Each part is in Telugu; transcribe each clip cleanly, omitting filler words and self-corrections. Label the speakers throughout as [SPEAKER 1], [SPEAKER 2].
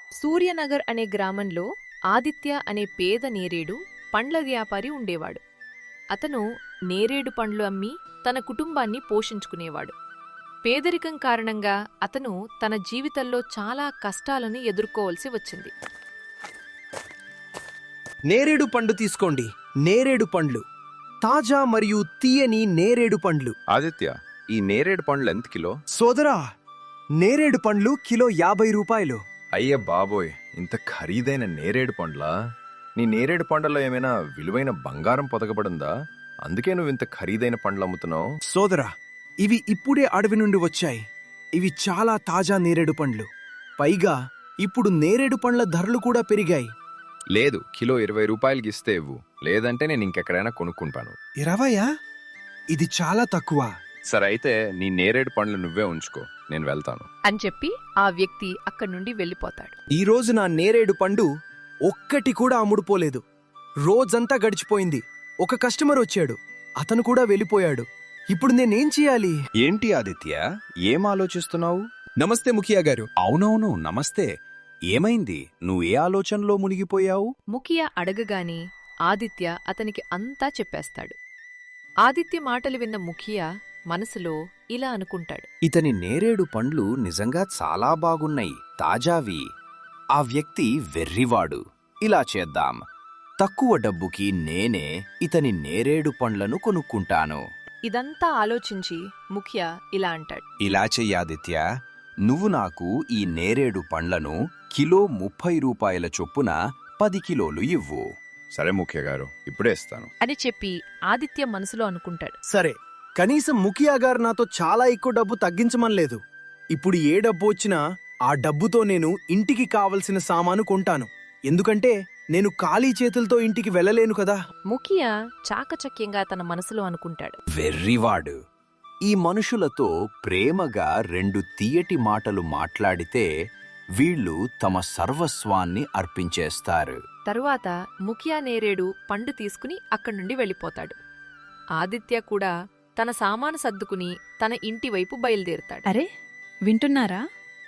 [SPEAKER 1] సూర్యనగర్ అనే గ్రామంలో ఆదిత్య అనే పేద నేరేడు పండ్ల వ్యాపారి ఉండేవాడు. అతను నేరేడు పండ్లు అమ్మి తన కుటుంబాన్ని పోషించుకునేవాడు. పేదరికం కారణంగా అతను తన జీవితంలో చాలా కష్టాలను ఎదుర్కోవలసి వచ్చింది.
[SPEAKER 2] నేరేడు పండు తీసుకోండి. నేరేడు పండ్లు తాజా మరియు తీయని నేరేడు పండ్లు.
[SPEAKER 3] ఆదిత్య, ఈ నేరేడు పండ్లు ఎంత కిలో?
[SPEAKER 2] సోదరా, నేరేడు పండ్లు కిలో 50 రూపాయలు.
[SPEAKER 3] అయ్య బాబోయ్, ఇంత ఖరీదైన నేరేడు పండ్లా? నీ నేరేడు పండ్లలో ఏమైనా విలువైన బంగారం పొదగబడిందా? అందుకే నువ్వు ఇంత ఖరీదైన పండ్లు అమ్ముతున్నావు?
[SPEAKER 2] సోదరా, ఇవి ఇప్పుడే అడవి నుండి వచ్చాయి. ఇవి చాలా తాజా నేరేడు పండ్లు. పైగా ఇప్పుడు నేరేడు పండ్ల ధరలు కూడా పెరిగాయి.
[SPEAKER 3] లేదు, కిలో 20 రూపాయలకి ఇస్తే ఇవ్వు, లేదంటే నేను ఇంకెక్కడైనా కొనుక్కుంటాను.
[SPEAKER 2] 20? ఇది చాలా తక్కువ.
[SPEAKER 3] సరే అయితే నీ నేరేడు పండ్లు నువ్వే ఉంచుకో, నేను వెళ్తాను
[SPEAKER 1] అని చెప్పి ఆ వ్యక్తి అక్కడి నుండి వెళ్ళిపోతాడు.
[SPEAKER 2] ఈ రోజు నా నేరేడు పండు ఒక్కటి కూడా అమ్ముడుపోలేదు. రోజంతా గడిచిపోయింది. ఒక కస్టమర్ వచ్చాడు, అతను కూడా వెళ్ళిపోయాడు. ఇప్పుడు నేనేం చేయాలి?
[SPEAKER 4] ఏంటి ఆదిత్య, ఏం ఆలోచిస్తున్నావు?
[SPEAKER 2] నమస్తే ముఖియా గారు.
[SPEAKER 4] అవునవును, నమస్తే. ఏమైంది? నువ్వు ఏ ఆలోచనలో మునిగిపోయావు?
[SPEAKER 1] ముఖియా అడగగానే ఆదిత్య అతనికి అంతా చెప్పేస్తాడు. ఆదిత్య మాటలు విన్న ముఖియా మనసులో ఇలా అనుకుంటాడు.
[SPEAKER 4] ఇతని నేరేడు పండ్లు నిజంగా చాలా బాగున్నాయి, తాజావి. ఆ వ్యక్తి వెర్రివాడు. ఇలా చేద్దాం, తక్కువ డబ్బుకి నేనే ఇతని నేరేడు పండ్లను కొనుక్కుంటాను.
[SPEAKER 1] ఇదంతా ఆలోచించి ముఖియా ఇలా అంటాడు.
[SPEAKER 4] ఇలా చెయ్యాదిత్య, నువ్వు నాకు ఈ నేరేడు పండ్లను కిలో 30 రూపాయల చొప్పున 10 కిలోలు ఇవ్వు.
[SPEAKER 3] సరే ముఖ్య గారు, ఇప్పుడే ఇస్తాను
[SPEAKER 1] అని చెప్పి ఆదిత్య మనసులో అనుకుంటాడు.
[SPEAKER 2] సరే, కనీసం ముఖియా గారు నాతో చాలా ఎక్కువ డబ్బు తగ్గించమనలేదు. ఇప్పుడు ఏ డబ్బు వచ్చినా ఆ డబ్బుతో నేను ఇంటికి కావలసిన సామాను కొంటాను. ఎందుకంటే నేను ఖాళీ చేతులతో ఇంటికి వెళ్ళలేను కదా.
[SPEAKER 1] ముఖియా చాకచక్యంగా తన మనసులో అనుకుంటాడు.
[SPEAKER 4] వెర్రివాడు. ఈ మనుషులతో ప్రేమగా 2 తీయటి మాటలు మాట్లాడితే వీళ్ళు తమ సర్వస్వాన్ని అర్పించేస్తారు.
[SPEAKER 1] తరువాత ముఖియా నేరేడు పండు తీసుకుని అక్కడి నుండి వెళ్ళిపోతాడు. ఆదిత్య కూడా తన సామాను సర్దుకుని తన ఇంటివైపు బయలుదేరుతాడు.
[SPEAKER 5] అరే, వింటున్నారా?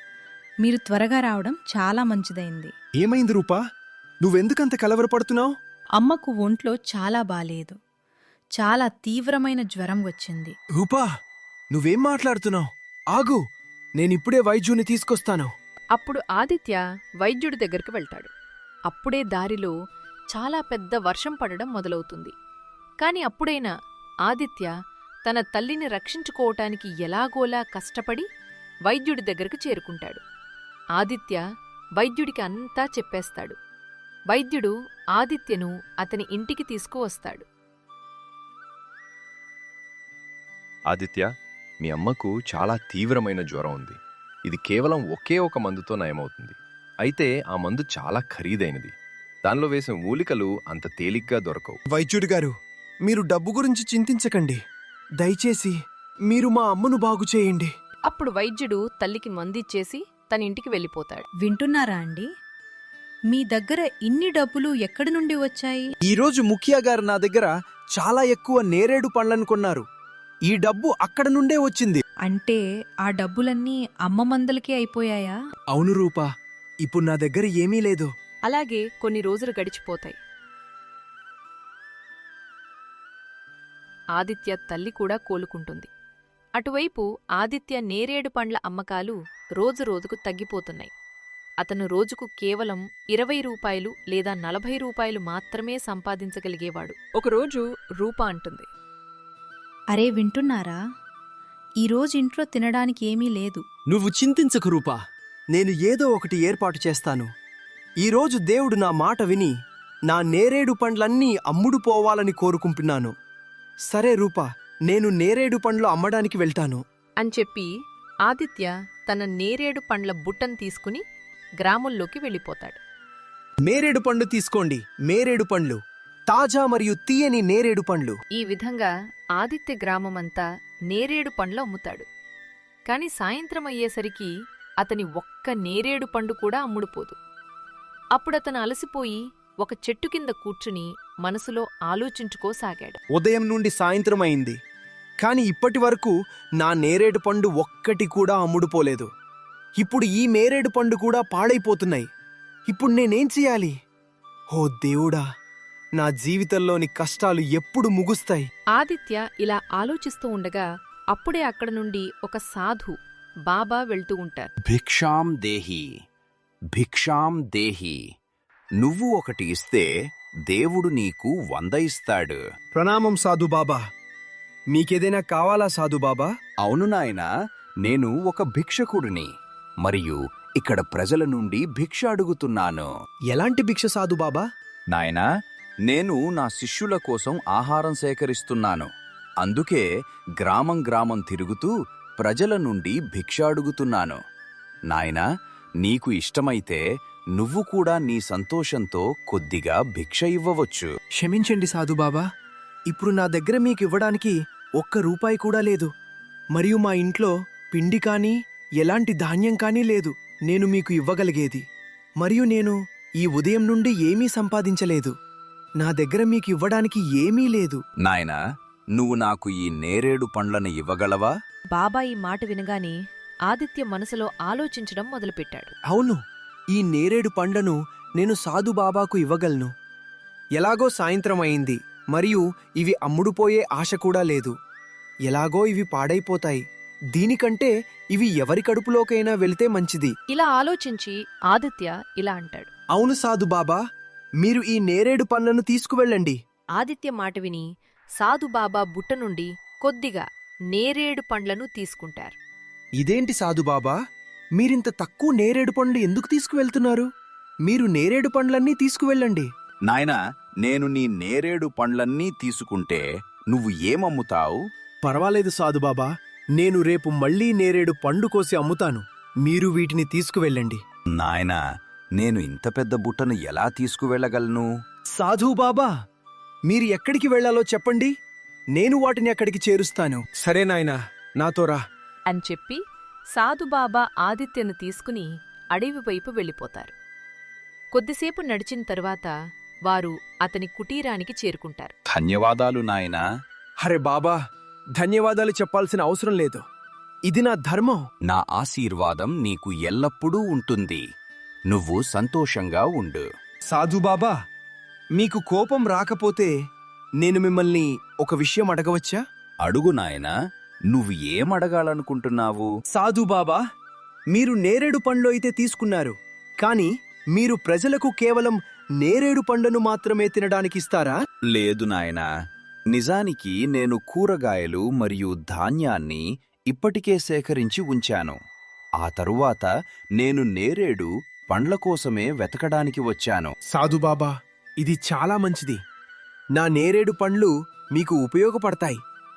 [SPEAKER 5] మీరు త్వరగా రావడం చాలా మంచిదైంది.
[SPEAKER 2] ఏమైంది రూపా? నువ్వెందుకంత కలవరపడుతున్నావు?
[SPEAKER 5] అమ్మకు ఒంట్లో చాలా బాలేదు. చాలా తీవ్రమైన జ్వరం వచ్చింది.
[SPEAKER 2] రూపా, నువ్వేం మాట్లాడుతున్నావు? ఆగు, నేనిప్పుడే వైద్యుని తీసుకొస్తాను.
[SPEAKER 1] అప్పుడు ఆదిత్య వైద్యుడి దగ్గరికి వెళ్తాడు. అప్పుడే దారిలో చాలా పెద్ద వర్షం పడడం మొదలవుతుంది. కాని అప్పుడైనా ఆదిత్య తన తల్లిని రక్షించుకోవటానికి ఎలాగోలా కష్టపడి వైద్యుడి దగ్గరకు చేరుకుంటాడు. ఆదిత్య వైద్యుడికి అంతా చెప్పేస్తాడు. వైద్యుడు ఆదిత్యను అతని ఇంటికి తీసుకువస్తాడు.
[SPEAKER 3] ఆదిత్య, మీ అమ్మకు చాలా తీవ్రమైన జ్వరం ఉంది. ఇది కేవలం ఒకే ఒక మందుతో నయమవుతుంది. అయితే ఆ మందు చాలా ఖరీదైనది. దానిలో వేసిన మూలికలు అంత తేలిగ్గా దొరకవు.
[SPEAKER 2] వైద్యుడి గారు, మీరు డబ్బు గురించి చింతించకండి. దయచేసి మీరు మా అమ్మను బాగు చేయండి.
[SPEAKER 1] అప్పుడు వైద్యుడు తల్లికి మందిచ్చేసి తన ఇంటికి వెళ్ళిపోతాడు.
[SPEAKER 5] వింటున్నారా అండి? మీ దగ్గర ఇన్ని డబ్బులు ఎక్కడి నుండి వచ్చాయి?
[SPEAKER 2] ఈరోజు ముఖియా గారు నా దగ్గర చాలా ఎక్కువ నేరేడు పండ్లను కొన్నారు. ఈ డబ్బు అక్కడ నుండే వచ్చింది.
[SPEAKER 5] అంటే ఆ డబ్బులన్నీ అమ్మ మందలకే అయిపోయాయా?
[SPEAKER 2] అవును రూపా, ఇప్పుడు నా దగ్గర ఏమీ లేదు.
[SPEAKER 1] అలాగే కొన్ని రోజులు గడిచిపోతాయి. ఆదిత్య తల్లి కూడా కోలుకుంటుంది. అటువైపు ఆదిత్య నేరేడు పండ్ల అమ్మకాలు రోజురోజుకు తగ్గిపోతున్నాయి. అతను రోజుకు కేవలం 20 రూపాయలు లేదా 40 రూపాయలు మాత్రమే సంపాదించగలిగేవాడు. ఒకరోజు రూపా అంటుంది.
[SPEAKER 5] అరే, వింటున్నారా? ఈరోజు ఇంట్లో తినడానికి ఏమీ లేదు.
[SPEAKER 2] నువ్వు చింతించకు రూపా, నేను ఏదో ఒకటి ఏర్పాటు చేస్తాను. ఈరోజు దేవుడు నా మాట విని నా నేరేడు పండ్లన్నీ అమ్ముడు పోవాలని కోరుకుంటున్నాను. సరే రూపా, నేను నేరేడు పండ్లు అమ్మడానికి వెళ్తాను
[SPEAKER 1] అని చెప్పి ఆదిత్య తన నేరేడు పండ్ల బుట్టను తీసుకుని గ్రామంలోకి వెళ్ళిపోతాడు.
[SPEAKER 2] నేరేడు పండు తీసుకోండి. నేరేడు పండ్లు తాజా మరియు తీయని నేరేడు పండ్లు.
[SPEAKER 1] ఈ విధంగా ఆదిత్య గ్రామమంతా నేరేడు పండ్లు అమ్ముతాడు. కాని సాయంత్రం అయ్యేసరికి అతని ఒక్క నేరేడు పండు కూడా అమ్ముడుపోదు. అప్పుడతను అలసిపోయి ఒక చెట్టు కింద కూర్చుని మనసులో ఆలోచించుకోసాగాడు.
[SPEAKER 2] ఉదయం నుండి సాయంత్రం అయింది, కాని ఇప్పటి వరకు నా నేరేడు పండు ఒక్కటి కూడా అమ్ముడుపోలేదు. ఇప్పుడు ఈ నేరేడు పండు కూడా పాడైపోతున్నాయి. ఇప్పుడు నేనేం చెయ్యాలి? ఓ దేవుడా, నా జీవితంలోని కష్టాలు ఎప్పుడు ముగుస్తాయి?
[SPEAKER 1] ఆదిత్య ఇలా ఆలోచిస్తూ ఉండగా అప్పుడే అక్కడ నుండి ఒక సాధు బాబా వెళ్తూ ఉంటారు.
[SPEAKER 4] భిక్షాం దేహి, భిక్షాం దేహి. నువ్వు ఒకటి ఇస్తే దేవుడు నీకు 100 ఇస్తాడు.
[SPEAKER 2] ప్రణామం సాధుబాబా. మీకేదైనా కావాలా సాధుబాబా?
[SPEAKER 4] అవును నాయనా, నేను ఒక భిక్షకుడిని మరియు ఇక్కడ ప్రజల నుండి భిక్ష అడుగుతున్నాను.
[SPEAKER 2] ఎలాంటి భిక్ష సాధుబాబా?
[SPEAKER 4] నాయనా, నేను నా శిష్యుల కోసం ఆహారం సేకరిస్తున్నాను. అందుకే గ్రామం గ్రామం తిరుగుతూ ప్రజల నుండి భిక్ష అడుగుతున్నాను. నాయనా, నీకు ఇష్టమైతే నువ్వు కూడా నీ సంతోషంతో కొద్దిగా భిక్ష ఇవ్వవచ్చు.
[SPEAKER 2] క్షమించండి సాధుబాబా, ఇప్పుడు నా దగ్గర మీకివ్వడానికి ₹1 కూడా లేదు. మరియు మా ఇంట్లో పిండి కానీ ఎలాంటి ధాన్యం కానీ లేదు నేను మీకు ఇవ్వగలిగేది. మరియు నేను ఈ ఉదయం నుండి ఏమీ సంపాదించలేదు. నా దగ్గర మీకు ఇవ్వడానికి ఏమీ లేదు.
[SPEAKER 4] నాయనా, నువ్వు నాకు ఈ నేరేడు పండ్లను ఇవ్వగలవా?
[SPEAKER 1] బాబా ఈ మాట వినగానే ఆదిత్య మనసులో ఆలోచించడం మొదలుపెట్టాడు.
[SPEAKER 2] అవును, ఈ నేరేడు పండ్లను నేను సాధుబాబాకు ఇవ్వగలను. ఎలాగో సాయంత్రం అయింది మరియు ఇవి అమ్ముడుపోయే ఆశ కూడా లేదు. ఎలాగో ఇవి పాడైపోతాయి. దీనికంటే ఇవి ఎవరి కడుపులోకైనా వెళితే మంచిది.
[SPEAKER 1] ఇలా ఆలోచించి ఆదిత్య ఇలా అంటాడు.
[SPEAKER 2] అవును సాధుబాబా, మీరు ఈ నేరేడు పండ్లను తీసుకువెళ్ళండి.
[SPEAKER 1] ఆదిత్య మాట విని సాధుబాబా బుట్ట నుండి కొద్దిగా నేరేడు పండ్లను తీసుకుంటారు.
[SPEAKER 2] ఇదేంటి సాధుబాబా, మీరింత తక్కువ నేరేడు పండ్లు ఎందుకు తీసుకువెళ్తున్నారు? మీరు నేరేడు పండ్లన్నీ తీసుకువెళ్ళండి.
[SPEAKER 4] నాయనా, నేను నీ నేరేడు పండ్లన్నీ తీసుకుంటే నువ్వు ఏమమ్ముతావు?
[SPEAKER 2] పర్వాలేదు సాధుబాబా, నేను రేపు మళ్లీ నేరేడు పండు కోసి అమ్ముతాను. మీరు వీటిని తీసుకువెళ్ళండి.
[SPEAKER 4] నాయనా, నేను ఇంత పెద్ద బుట్టను ఎలా తీసుకువెళ్ళగలను?
[SPEAKER 2] సాధుబాబా, మీరు ఎక్కడికి వెళ్లాలో చెప్పండి, నేను వాటిని అక్కడికి చేరుస్తాను. సరే నాయనా, నాతో రా
[SPEAKER 1] అని చెప్పి సాధుబాబా ఆదిత్యను తీసుకుని అడవి వైపు వెళ్ళిపోతారు. కొద్దిసేపు నడిచిన తరువాత వారు అతని కుటీరానికి చేరుకుంటారు.
[SPEAKER 4] ధన్యవాదాలు నాయనా.
[SPEAKER 2] హరే బాబా, ధన్యవాదాలు చెప్పాల్సిన అవసరం లేదు. ఇది నా ధర్మం.
[SPEAKER 4] నా ఆశీర్వాదం నీకు ఎల్లప్పుడూ ఉంటుంది. నువ్వు సంతోషంగా ఉండు.
[SPEAKER 2] సాధుబాబా, మీకు కోపం రాకపోతే నేను మిమ్మల్ని ఒక విషయం అడగవచ్చా?
[SPEAKER 4] అడుగు నాయనా, నువ్వు ఏమడగాలనుకుంటున్నావు?
[SPEAKER 2] సాధుబాబా, మీరు నేరేడు పండ్లు అయితే తీసుకున్నారు, కాని మీరు ప్రజలకు కేవలం నేరేడు పండ్లను మాత్రమే తినడానికిస్తారా?
[SPEAKER 4] లేదు నాయనా, నిజానికి నేను కూరగాయలు మరియు ధాన్యాన్ని ఇప్పటికే సేకరించి ఉంచాను. ఆ తరువాత నేను నేరేడు పండ్ల కోసమే వెతకడానికి వచ్చాను.
[SPEAKER 2] సాధుబాబా, ఇది చాలా మంచిది. నా నేరేడు పండ్లు మీకు ఉపయోగపడతాయి.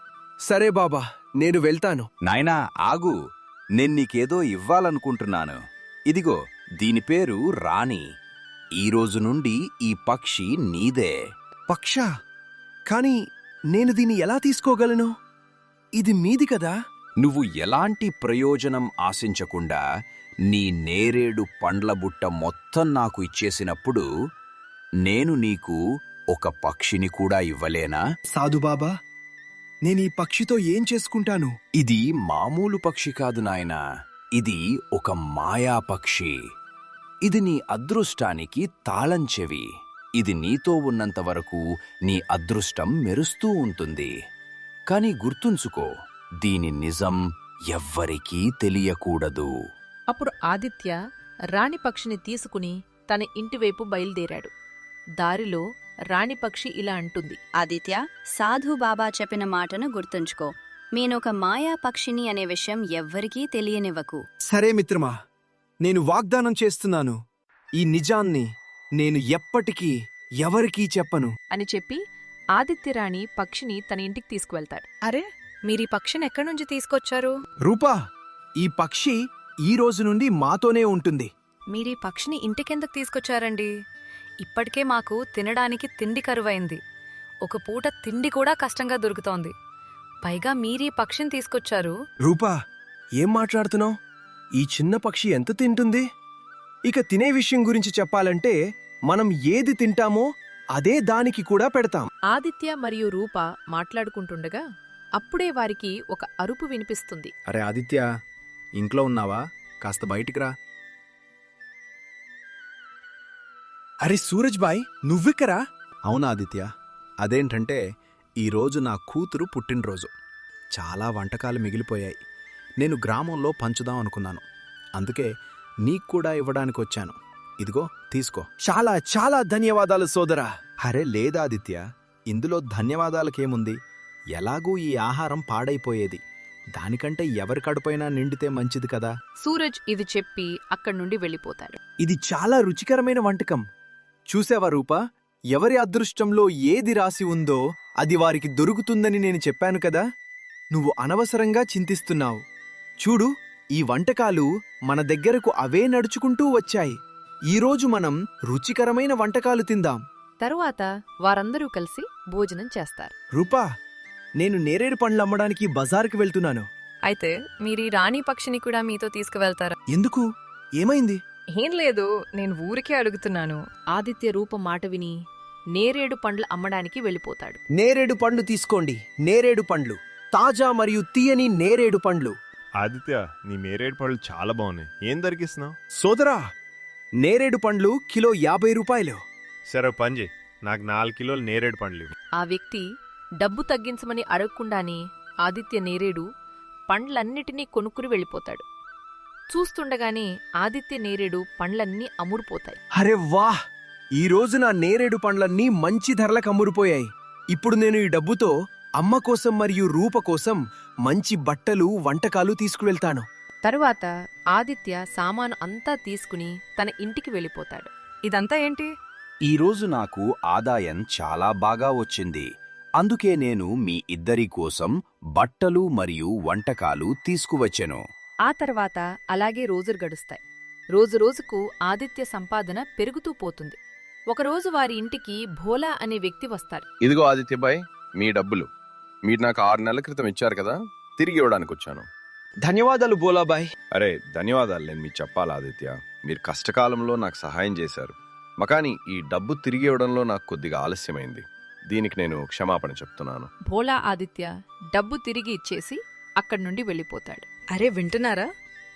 [SPEAKER 2] సరే బాబా, నేను వెళ్తాను.
[SPEAKER 4] నాయనా, ఆగు, నేన్నీకేదో ఇవ్వాలనుకుంటున్నాను. ఇదిగో, దీని పేరు రాణి. ఈరోజు నుండి ఈ పక్షి నీదే.
[SPEAKER 2] పక్షా, కాని నేను దీన్ని ఎలా తీసుకోగలను? ఇది మీది కదా.
[SPEAKER 4] నువ్వు ఎలాంటి ప్రయోజనం ఆశించకుండా నీ నేరేడు పండ్ల బుట్ట మొత్తం నాకు ఇచ్చేసినప్పుడు నేను నీకు ఒక పక్షిని కూడా ఇవ్వలేనా?
[SPEAKER 2] సాధుబాబా, నేనీ పక్షితో ఏం చేసుకుంటాను?
[SPEAKER 4] ఇది మామూలు పక్షి కాదు నాయనా, ఇది ఒక మాయా పక్షి. ఇది నీ అదృష్టానికి తాళం చెవి. ఇది నీతో ఉన్నంత వరకు నీ అదృష్టం మెరుస్తూ ఉంటుంది. కాని గుర్తుంచుకో, దీని నిజం ఎవ్వరికీ తెలియకూడదు.
[SPEAKER 1] అప్పుడు ఆదిత్య రాణిపక్షిని తీసుకుని తన ఇంటివైపు బయలుదేరాడు. దారిలో రాణిపక్షి ఇలా అంటుంది.
[SPEAKER 6] ఆదిత్య, సాధుబాబా చెప్పిన మాటను గుర్తుంచుకో. నేనొక మాయా పక్షిని అనే విషయం ఎవ్వరికీ తెలియనివ్వకు.
[SPEAKER 2] సరే మిత్రమా, నేను వాగ్దానం చేస్తున్నాను, ఈ నిజాన్ని నేను ఎప్పటికీ ఎవరికీ చెప్పను
[SPEAKER 1] అని చెప్పి ఆదిత్యరాణి పక్షిని తన ఇంటికి తీసుకువెళ్తాడు.
[SPEAKER 5] అరే, మీరీ పక్షిని ఎక్కడి నుంచి తీసుకొచ్చారు?
[SPEAKER 2] రూపా, ఈ పక్షి ఈ రోజు నుండి మాతోనే ఉంటుంది.
[SPEAKER 5] మీరీ పక్షిని ఇంటికెందుకు తీసుకొచ్చారండి? ఇప్పటికే మాకు తినడానికి తిండి కరువైంది. ఒక పూట తిండి కూడా కష్టంగా దొరుకుతోంది. పైగా మీరీ పక్షిని తీసుకొచ్చారు.
[SPEAKER 2] రూపా, ఏం మాట్లాడుతున్నావు? ఈ చిన్న పక్షి ఎంత తింటుంది? ఇక తినే విషయం గురించి చెప్పాలంటే మనం ఏది తింటామో అదే దానికి కూడా పెడతాం.
[SPEAKER 1] ఆదిత్య మరియు రూప మాట్లాడుకుంటుండగా అప్పుడే వారికి ఒక అరుపు వినిపిస్తుంది.
[SPEAKER 7] అరే ఆదిత్య, ఇంట్లో ఉన్నావా? కాస్త బయటికి రా.
[SPEAKER 2] అరే సూరజ్ బాయ్ నువ్విక్కరా?
[SPEAKER 7] అవునా ఆదిత్య, అదేంటంటే ఈరోజు నా కూతురు పుట్టినరోజు. చాలా వంటకాలు మిగిలిపోయాయి. నేను గ్రామంలో పంచుదాం అనుకున్నాను. అందుకే నీకు కూడా ఇవ్వడానికి వచ్చాను. ఇదిగో తీసుకో.
[SPEAKER 2] చాలా చాలా ధన్యవాదాలు సోదరా.
[SPEAKER 7] అరే లేదాదిత్య, ఇందులో ధన్యవాదాలకేముంది? ఎలాగూ ఈ ఆహారం పాడైపోయేది. దానికంటే ఎవరి కడుపైనా నిండితే మంచిది కదా.
[SPEAKER 1] సూరజ్ ఇది చెప్పి అక్కడి నుండి వెళ్ళిపోతాడు.
[SPEAKER 2] ఇది చాలా రుచికరమైన వంటకం. చూసావా రూపా, ఎవరి అదృష్టంలో ఏది రాసి ఉందో అది వారికి దొరుకుతుందని నేను చెప్పాను కదా. నువ్వు అనవసరంగా చింతిస్తున్నావు. చూడు, ఈ వంటకాలు మన దగ్గరకు అవే నడుచుకుంటూ వచ్చాయి. ఈరోజు మనం రుచికరమైన వంటకాలు తిందాం.
[SPEAKER 1] తరువాత వారందరూ కలిసి భోజనం చేస్తారు.
[SPEAKER 2] రూపా, నేను నేరేడు పండ్లు అమ్మడానికి బజారుకి వెళ్తున్నాను.
[SPEAKER 5] అయితే మీరీ రాణి పక్షిని కూడా మీతో తీసుకువెళ్తారా?
[SPEAKER 2] ఎందుకు? ఏమైంది?
[SPEAKER 5] ఏం లేదు, నేను ఊరికే అడుగుతున్నాను.
[SPEAKER 1] ఆదిత్య రూప మాట విని నేరేడు పండ్లు అమ్మడానికి వెళ్ళిపోతాడు.
[SPEAKER 2] నేరేడు పండ్లు తీసుకోండి. నేరేడు పండ్లు, తాజా మరియు తీయని నేరేడు పండ్లు.
[SPEAKER 8] ఆదిత్య, నీ నేరేడు పళ్ళు చాలా బాగున్నాయి. ఏం దొరికిస్తున్నావు?
[SPEAKER 2] సోదరా, నేరేడు పండ్లు కిలో 50 రూపాయలు.
[SPEAKER 8] సరే పని చేయి, నాకు 4 కిలోలు నేరేడు పండ్లు ఇవ్వు.
[SPEAKER 1] ఆ వ్యక్తి డబ్బు తగ్గించమని అడగకుండానే ఆదిత్య నేరేడు పండ్లన్నిటినీ కొనుక్కుని వెళ్ళిపోతాడు. చూస్తుండగానే ఆదిత్య నేరేడు పండ్లన్నీ అమ్ముడుపోతాయి.
[SPEAKER 2] అరే వాహ్! ఈ రోజు నా నేరేడు పండ్లన్నీ మంచి ధరలకు అమ్ముడుపోయాయి. ఇప్పుడు నేను ఈ డబ్బుతో అమ్మ కోసం మరియు రూప కోసం మంచి బట్టలు, వంటకాలు తీసుకువెళ్తాను.
[SPEAKER 1] తరువాత ఆదిత్య సామాను అంతా తీసుకుని తన ఇంటికి వెళ్ళిపోతాడు.
[SPEAKER 5] ఇదంతా ఏంటి?
[SPEAKER 4] ఈరోజు నాకు ఆదాయం చాలా బాగా వచ్చింది. అందుకే నేను మీ ఇద్దరి కోసం బట్టలు మరియు వంటకాలు తీసుకువచ్చెను.
[SPEAKER 1] ఆ తర్వాత అలాగే రోజులు గడుస్తాయి. రోజురోజుకు ఆదిత్య సంపాదన పెరుగుతూ పోతుంది. ఒకరోజు వారి ఇంటికి భోలా అనే వ్యక్తి వస్తారు.
[SPEAKER 3] ఇదిగో ఆదిత్యబాయ్, మీ డబ్బులు. మీరు నాకు 6 నెలల క్రితం ఇచ్చారు కదా, తిరిగి ఇవ్వడానికి వచ్చాను.
[SPEAKER 2] ధన్యవాదాలు బోలాబాయ్.
[SPEAKER 3] అరే ధన్యవాదాలు నేను మీకు చెప్పాలి ఆదిత్య. మీరు కష్టకాలంలో నాకు సహాయం చేశారు. మకాని ఈ డబ్బు తిరిగి ఇవ్వడంలో నాకు కొద్దిగా ఆలస్యమైంది. దీనికి నేను క్షమాపణ చెప్తున్నాను.
[SPEAKER 1] భోలా ఆదిత్య డబ్బు తిరిగి ఇచ్చేసి అక్కడి నుండి వెళ్ళిపోతాడు.
[SPEAKER 5] అరే వింటున్నారా?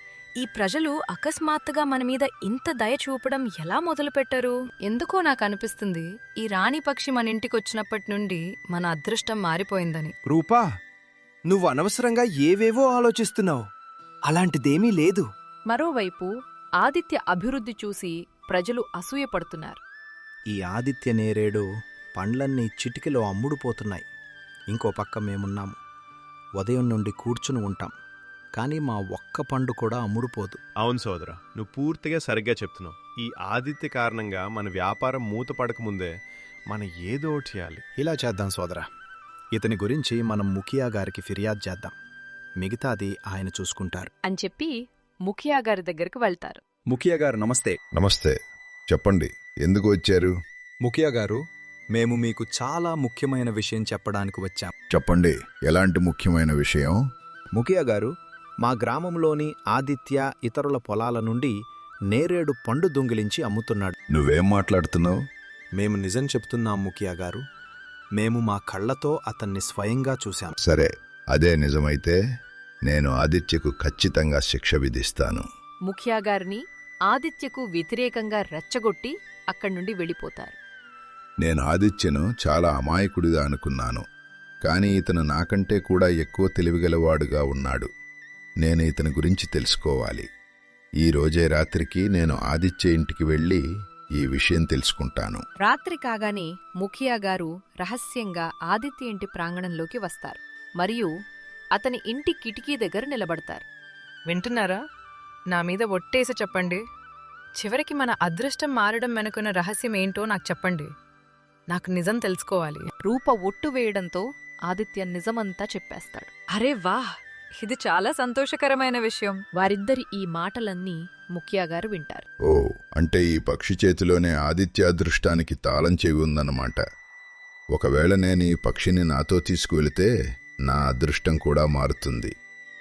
[SPEAKER 5] ఈ ప్రజలు అకస్మాత్తుగా మన మీద ఇంత దయ చూపడం ఎలా మొదలుపెట్టారు? ఎందుకో నాకు అనిపిస్తుంది ఈ రాణి పక్షి మన ఇంటికొచ్చినప్పటి నుండి మన అదృష్టం మారిపోయిందని.
[SPEAKER 2] రూపా, నువ్వు అనవసరంగా ఏవేవో ఆలోచిస్తున్నావు. అలాంటిదేమీ లేదు.
[SPEAKER 1] మరోవైపు ఆదిత్య అభివృద్ధి చూసి ప్రజలు అసూయపడుతున్నారు.
[SPEAKER 7] ఈ ఆదిత్య నేరేడు పండ్లన్నీ చిటికెలో అమ్ముడుపోతున్నాయి. ఇంకో పక్క మేమున్నాము. ఉదయం నుండి కూర్చుని ఉంటాం, కానీ మా ఒక్క పండు కూడా అమ్ముడుపోదు.
[SPEAKER 8] అవును సోదరా, నువ్వు పూర్తిగా సరిగ్గా చెప్తున్నావు. ఈ ఆదిత్య కారణంగా మన వ్యాపారం మూత పడకముందే మనం ఏదో ఒకటి చేయాలి.
[SPEAKER 7] ఇలా చేద్దాం సోదరా, ఇతని గురించి మనం ముఖియా గారికి ఫిర్యాదు చేద్దాం. మిగతాది ఆయన చూసుకుంటారు
[SPEAKER 1] అని చెప్పి ముఖియా గారి దగ్గరకు వెళ్తారు.
[SPEAKER 7] ముఖియా గారు నమస్తే.
[SPEAKER 9] నమస్తే. చెప్పండి, ఎందుకు వచ్చారు?
[SPEAKER 7] ముఖియా గారు, మేము మీకు చాలా ముఖ్యమైన విషయం చెప్పడానికి వచ్చాం.
[SPEAKER 9] చెప్పండి, ఎలాంటి ముఖ్యమైన విషయం?
[SPEAKER 7] ముఖియా గారు, మా గ్రామంలోని ఆదిత్య ఇతరుల పొలాల నుండి నేరేడు పండు దొంగిలించి అమ్ముతున్నాడు.
[SPEAKER 9] నువ్వేం మాట్లాడుతున్నావు?
[SPEAKER 7] మేము నిజం చెప్తున్నాం ముఖియా గారు. మేము మా కళ్లతో అతన్ని స్వయంగా చూశాం.
[SPEAKER 9] సరే, అదే నిజమైతే నేను ఆదిత్యకు ఖచ్చితంగా శిక్ష విధిస్తాను.
[SPEAKER 1] ముఖియా గారిని ఆదిత్యకు వ్యతిరేకంగా రెచ్చగొట్టి అక్కడి నుండి వెళ్ళిపోతారు.
[SPEAKER 9] నేను ఆదిత్యను చాలా అమాయకుడిగా అనుకున్నాను, కానీ ఇతను నాకంటే కూడా ఎక్కువ తెలివిగలవాడుగా ఉన్నాడు. నేను ఇతని గురించి తెలుసుకోవాలి. ఈ రోజే రాత్రికి నేను ఆదిత్య ఇంటికి వెళ్ళి ఈ విషయం తెలుసుకుంటాను.
[SPEAKER 1] రాత్రి కాగానే ముఖియా గారు రహస్యంగా ఆదిత్య ఇంటి ప్రాంగణంలోకి వస్తారు మరియు అతని ఇంటి కిటికీ దగ్గర నిలబడతారు.
[SPEAKER 5] వింటున్నారా? నా మీద ఒట్టేసి చెప్పండి. చివరికి మన అదృష్టం మారడం వెనుకున్న రహస్యం ఏంటో నాకు చెప్పండి. నాకు నిజం తెలుసుకోవాలి.
[SPEAKER 1] రూప ఒట్టు వేయడంతో ఆదిత్య నిజమంతా చెప్పేస్తాడు.
[SPEAKER 5] అరే వాహ్, ఇది చాలా సంతోషకరమైన విషయం.
[SPEAKER 1] వారిద్దరి ఈ మాటలన్నీ ముఖియా గారు వింటారు.
[SPEAKER 9] ఓ, అంటే ఈ పక్షి చేతిలోనే ఆదిత్య అదృష్టానికి తాళం చెవి ఉందన్నమాట. ఒకవేళ నేను ఈ పక్షిని నాతో తీసుకువెళితే నా అదృష్టం కూడా మారుతుంది.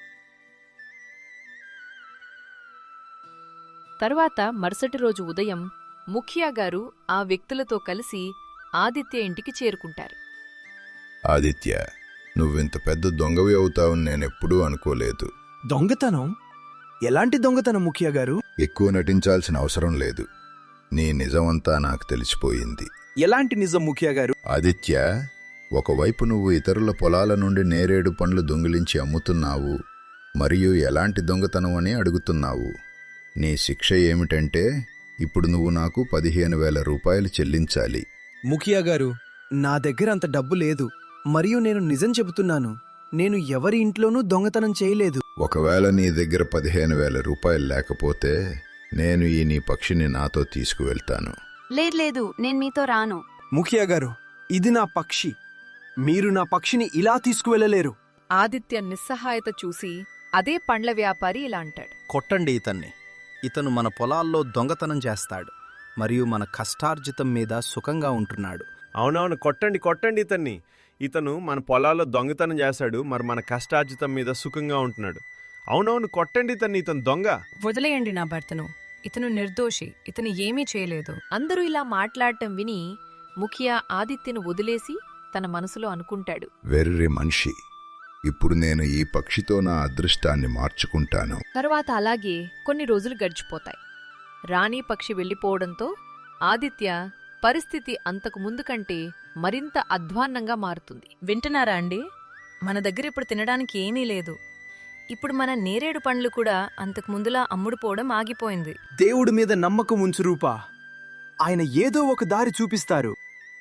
[SPEAKER 1] తరువాత మరుసటి రోజు ఉదయం ముఖియా గారు ఆ వ్యక్తులతో కలిసి ఆదిత్య ఇంటికి చేరుకుంటారు.
[SPEAKER 9] ఆదిత్య, నువ్వింత పెద్ద దొంగవి అవుతావని నేనెప్పుడూ అనుకోలేదు.
[SPEAKER 2] దొంగతనం? ఎలాంటి దొంగతనం ముఖియా గారు?
[SPEAKER 9] ఎక్కువ నటించాల్సిన అవసరం లేదు. నీ నిజమంతా నాకు తెలిసిపోయింది.
[SPEAKER 7] ఎలాంటి నిజం ముఖియా గారు?
[SPEAKER 9] ఆదిత్య, ఒకవైపు నువ్వు ఇతరుల పొలాల నుండి నేరేడు పండ్లు దొంగిలించి అమ్ముతున్నావు, మరియు ఎలాంటి దొంగతనం అని అడుగుతున్నావు. నీ శిక్ష ఏమిటంటే ఇప్పుడు నువ్వు నాకు 15,000 రూపాయలు చెల్లించాలి.
[SPEAKER 2] ముఖియా గారు, నా దగ్గర అంత డబ్బు లేదు, మరియు నేను నిజం చెబుతున్నాను. నేను ఎవరి ఇంట్లోనూ దొంగతనం చేయలేదు.
[SPEAKER 9] ఒకవేళ నీ దగ్గర 15,000 రూపాయలు లేకపోతే నేను నీ పక్షిని నాతో తీసుకువెళ్తాను.
[SPEAKER 6] లేదు నేను మీతో రాను.
[SPEAKER 2] ముఖియా గారు, ఇది నా పక్షి. మీరు నా పక్షిని ఇలా తీసుకువెళ్ళలేరు.
[SPEAKER 1] ఆదిత్య నిస్సహాయత చూసి అదే పండ్ల వ్యాపారి ఇలా అంటాడు.
[SPEAKER 7] కొట్టండి ఇతన్ని. ఇతను మన పొలాల్లో దొంగతనం చేస్తాడు మరియు మన కష్టార్జితం మీద సుఖంగా ఉంటున్నాడు.
[SPEAKER 8] అవునవును, కొట్టండి కొట్టండి ఇతన్ని. ఇతను మన పొలాల్లో దొంగతనం చేశాడు, మరి మన కష్టార్జితం మీద సుఖంగా ఉంటున్నాడు. అవునవును, కొట్టండి ఇతన్ని, ఇతను దొంగ.
[SPEAKER 5] వదిలేయండి నా భర్తను. ఇతను నిర్దోషి. ఇతను ఏమీ చేయలేదు.
[SPEAKER 1] అందరూ ఇలా మాట్లాడటం విని ముఖియా ఆదిత్యను వదిలేసి తన మనసులో అనుకుంటాడు.
[SPEAKER 9] వెర్రి మనిషి, ఇప్పుడు నేను ఈ పక్షితో నా అదృష్టాన్ని మార్చుకుంటాను.
[SPEAKER 1] తరువాత అలాగే కొన్ని రోజులు గడిచిపోతాయి. రాణి పక్షి వెళ్ళిపోవడంతో ఆదిత్య పరిస్థితి అంతకు ముందు కంటే మరింత అధ్వాన్నంగా మారుతుంది.
[SPEAKER 5] వింటున్నారా అండి? మన దగ్గర ఇప్పుడు తినడానికి ఏమీ లేదు. ఇప్పుడు మన నేరేడు పండ్లు కూడా అంతకు ముందులా అమ్ముడుపోవడం ఆగిపోయింది.
[SPEAKER 2] దేవుడి మీద నమ్మకం ఉంచు రూపా. ఆయన ఏదో ఒక దారి చూపిస్తారు.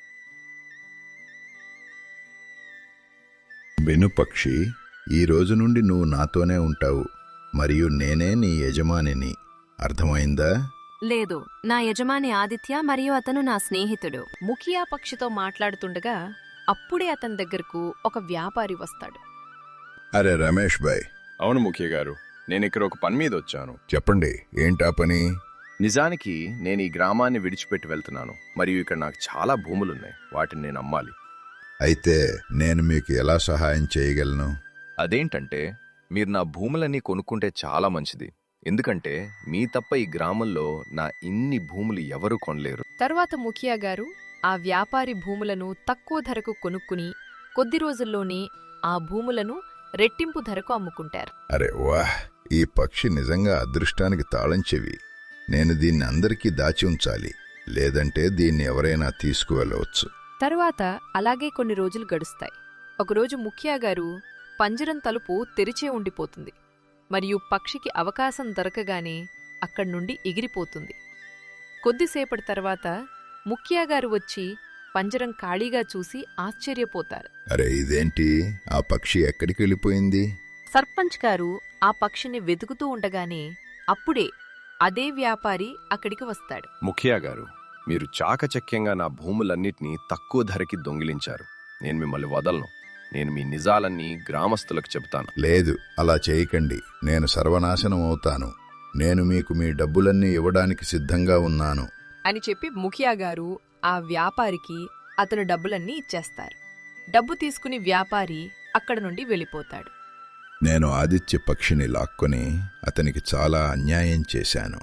[SPEAKER 9] విను పక్షి, ఈ రోజు నుండి నువ్వు నాతోనే ఉంటావు, మరియు నేనే నీ యజమానిని. అర్థమైందా?
[SPEAKER 6] లేదు, నా యజమాని ఆదిత్య మరియు అతను నా స్నేహితుడు.
[SPEAKER 1] ముఖియా పక్షితో మాట్లాడుతుండగా అప్పుడే అతని దగ్గరకు ఒక వ్యాపారి వస్తాడు.
[SPEAKER 9] అరే రమేష్ భాయ్.
[SPEAKER 3] అవును ముఖ్య గారు, నేనిక్కడ ఒక పని మీద వచ్చాను.
[SPEAKER 9] చెప్పండి, ఏంటా పని?
[SPEAKER 3] నిజానికి నేను ఈ గ్రామాన్ని విడిచిపెట్టి వెళ్తున్నాను, మరియు ఇక్కడ నాకు చాలా భూములున్నాయి. వాటిని నేను అమ్మాలి.
[SPEAKER 9] అయితే నేను మీకు ఎలా సహాయం చేయగలను?
[SPEAKER 3] అదేంటంటే, మీరు నా భూములన్నీ కొనుక్కుంటే చాలా మంచిది. ఎందుకంటే మీ తప్ప ఈ గ్రామంలో నా ఇన్ని భూములు ఎవరూ కొనలేరు.
[SPEAKER 1] తర్వాత ముఖియా గారు ఆ వ్యాపారి భూములను తక్కువ ధరకు కొనుక్కుని కొద్ది రోజుల్లోనే ఆ భూములను రెట్టింపు ధరకు అమ్ముకుంటారు.
[SPEAKER 9] అరే వాహ్, ఈ పక్షి నిజంగా అదృష్టానికి తాళం చెవి. నేను దీన్ని అందరికీ దాచి ఉంచాలి, లేదంటే దీన్ని ఎవరైనా తీసుకువెళ్ళవచ్చు.
[SPEAKER 1] తరువాత అలాగే కొన్ని రోజులు గడుస్తాయి. ఒకరోజు ముఖియా గారు పంజరం తలుపు తెరిచే ఉండిపోతుంది, మరియు పక్షికి అవకాశం దొరకగానే అక్కడ్నుండి ఎగిరిపోతుంది. కొద్దిసేపటి తర్వాత ముఖియా గారు వచ్చి పంజరం ఖాళీగా చూసి ఆశ్చర్యపోతారు.
[SPEAKER 9] అరే ఇదేంటి, ఆ పక్షి ఎక్కడికి వెళ్ళిపోయింది?
[SPEAKER 1] సర్పంచ్ గారు ఆ పక్షిని వెతుకుతూ ఉండగానే అప్పుడే అదే వ్యాపారి అక్కడికి వస్తాడు.
[SPEAKER 3] ముఖియా గారు, మీరు చాకచక్యంగా నా భూములన్నిటినీ తక్కువ ధరకి దొంగిలించారు. నేను మిమ్మల్ని వదలను. నేను మీ నిజాలన్నీ గ్రామస్తులకు చెబుతాను.
[SPEAKER 9] లేదు, అలా చేయకండి. నేను సర్వనాశనం అవుతాను. నేను మీకు మీ డబ్బులన్నీ ఇవ్వడానికి సిద్ధంగా ఉన్నాను
[SPEAKER 1] అని చెప్పి ముఖియా గారు ఆ వ్యాపారికి అతను డబ్బులన్నీ ఇచ్చేస్తారు. డబ్బు తీసుకుని వ్యాపారి అక్కడ నుండి వెళ్ళిపోతాడు.
[SPEAKER 9] నేను ఆదిత్య పక్షిని లాక్కొని అతనికి చాలా అన్యాయం చేశాను.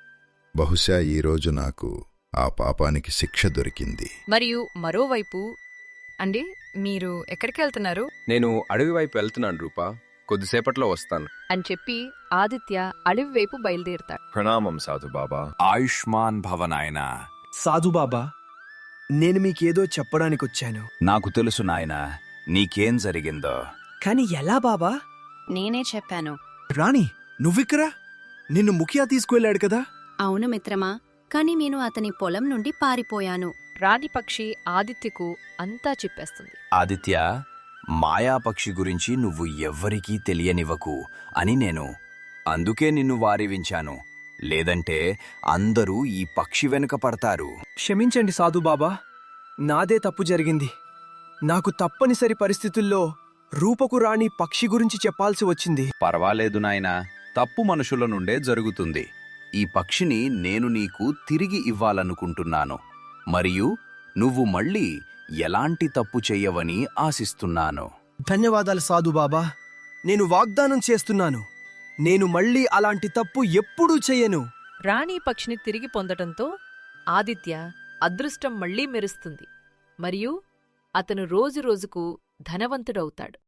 [SPEAKER 9] బహుశా ఈరోజు నాకు ఆ పాపానికి శిక్ష దొరికింది.
[SPEAKER 5] మరియు మరోవైపు, అండి మీరు ఎక్కడికి వెళ్తున్నారు?
[SPEAKER 3] నేను అడవి వైపు వెళ్తున్నాను రూపా, కొద్దిసేపట్లో వస్తాను
[SPEAKER 1] అని చెప్పి ఆదిత్య అడవి వైపు బయలుదేరుతాడు.
[SPEAKER 3] ప్రణామం సాధు బాబా.
[SPEAKER 4] ఆయుష్మాన్ భవనాయనా.
[SPEAKER 2] సాధుబాబా, నేను మీకేదో చెప్పడానికొచ్చాను.
[SPEAKER 4] నాకు తెలుసు నాయనా, నీకేం జరిగిందో.
[SPEAKER 2] కాని ఎలా బాబా?
[SPEAKER 6] నేనే చెప్పాను.
[SPEAKER 2] రాణి, నువ్విక్కరా? నిన్ను ముఖియా తీసుకువెళ్ళాడు కదా?
[SPEAKER 6] అవును మిత్రమా, కాని నేను అతని పొలం నుండి పారిపోయాను.
[SPEAKER 1] రాణి పక్షి ఆదిత్యకు అంతా చెప్పేస్తుంది.
[SPEAKER 4] ఆదిత్య, మాయాపక్షి గురించి నువ్వు ఎవ్వరికీ తెలియనివ్వకు అని అందుకే నిన్ను వారివించాను. లేదంటే అందరూ ఈ పక్షి వెనుక పడతారు.
[SPEAKER 2] క్షమించండి సాధుబాబా, నాదే తప్పు జరిగింది. నాకు తప్పనిసరి పరిస్థితుల్లో రూపకు రాణి పక్షి గురించి చెప్పాల్సి వచ్చింది.
[SPEAKER 4] పర్వాలేదు నాయనా, తప్పు మనుషుల నుండే జరుగుతుంది. ఈ పక్షిని నేను నీకు తిరిగి ఇవ్వాలనుకుంటున్నాను, మరియు నువ్వు మళ్ళీ ఎలాంటి తప్పు చెయ్యవని ఆశిస్తున్నాను.
[SPEAKER 2] ధన్యవాదాలు సాధుబాబా. నేను వాగ్దానం చేస్తున్నాను, నేను మళ్ళీ అలాంటి తప్పు ఎప్పుడూ చెయ్యను.
[SPEAKER 1] రాణి పక్షిని తిరిగి పొందటంతో ఆదిత్య అదృష్టం మళ్లీ మెరుస్తుంది, మరియు అతను రోజురోజుకు ధనవంతుడవుతాడు.